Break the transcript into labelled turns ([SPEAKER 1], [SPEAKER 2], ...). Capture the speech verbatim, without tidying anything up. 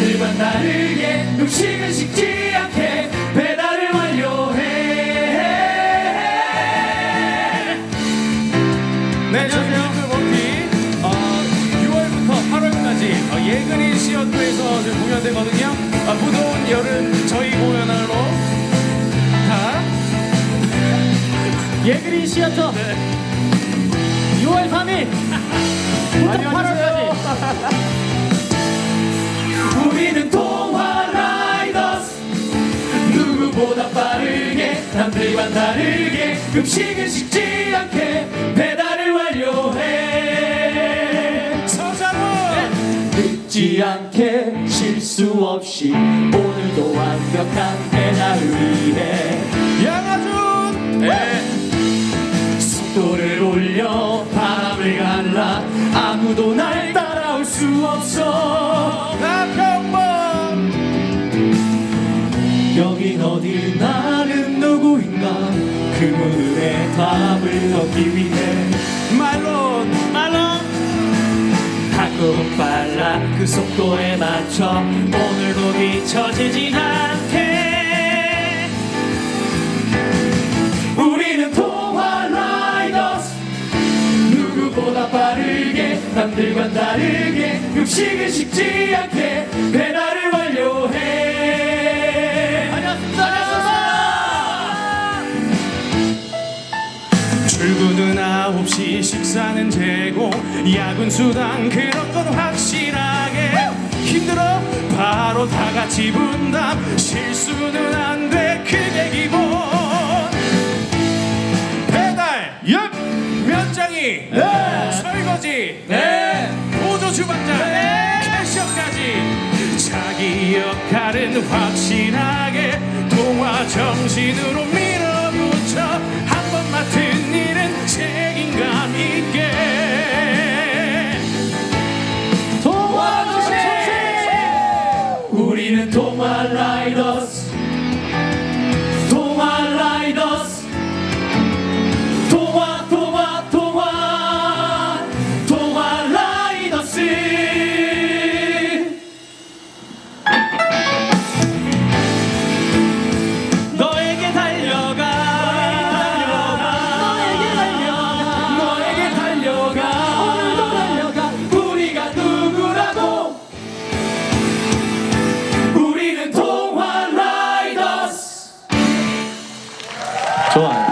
[SPEAKER 1] 남들과 다르게 음식은 식지 않게 배달을 완료해.
[SPEAKER 2] 네, 저희 뮤클버피 어, 유월부터 팔월까지 어, 예그린 시어터에서 지금 공연되거든요. 어, 무더운 여름 저희 공연하러 다
[SPEAKER 3] 예그린 시어터
[SPEAKER 2] 네.
[SPEAKER 3] 유월 삼일부터 팔월까지
[SPEAKER 1] 우리는 동화 라이더스. 누구보다 빠르게 남들과 다르게 음식은 식지 않게 배달을 완료해.
[SPEAKER 2] 서장훈
[SPEAKER 1] 늦지 않게 실수 없이 오늘도 완벽한 배달을 위해
[SPEAKER 2] 양아준 네.
[SPEAKER 1] 속도를 올려 바람을 갈라 아무도 날 따라올 수 없어.
[SPEAKER 2] 나평범
[SPEAKER 1] 여긴 어디 나는 누구인가 그 문의 답을 얻기 위해
[SPEAKER 2] 말론
[SPEAKER 1] 말론 한국은 빨라 그 속도에 맞춰 오늘도 뒤처지지 않게. 우리는 동화 라이더스. 누구보다 빠르게 남들과 다르게 음식을 식지 않게 배달을 완료해. 다녔습니다.
[SPEAKER 2] 출근은 아홉 시 식사는 제공 야근 수당 그런 건 확실하게 힘들어 바로 다 같이 분담 실수는 안 돼 그게 기본 배달 엽 면장이
[SPEAKER 1] 네.
[SPEAKER 2] 설거지
[SPEAKER 1] 네.
[SPEAKER 2] 보조 주방장
[SPEAKER 1] 네.
[SPEAKER 2] 캐셔까지 자기 역할은 확실하게 동화 정신으로 밀어붙여 한 번 맡은 일은 책임감 있게
[SPEAKER 1] 동화 정신. 우리는 동화 라이더스. 동화 라이더스. 동화 동화 동화 동화 라이더스. 너에게 달려가 너에게 달려가 너에게 달려가 오늘도 달려가. 우리가 누구라고. 우리는 동화 라이더스.
[SPEAKER 3] 좋아요.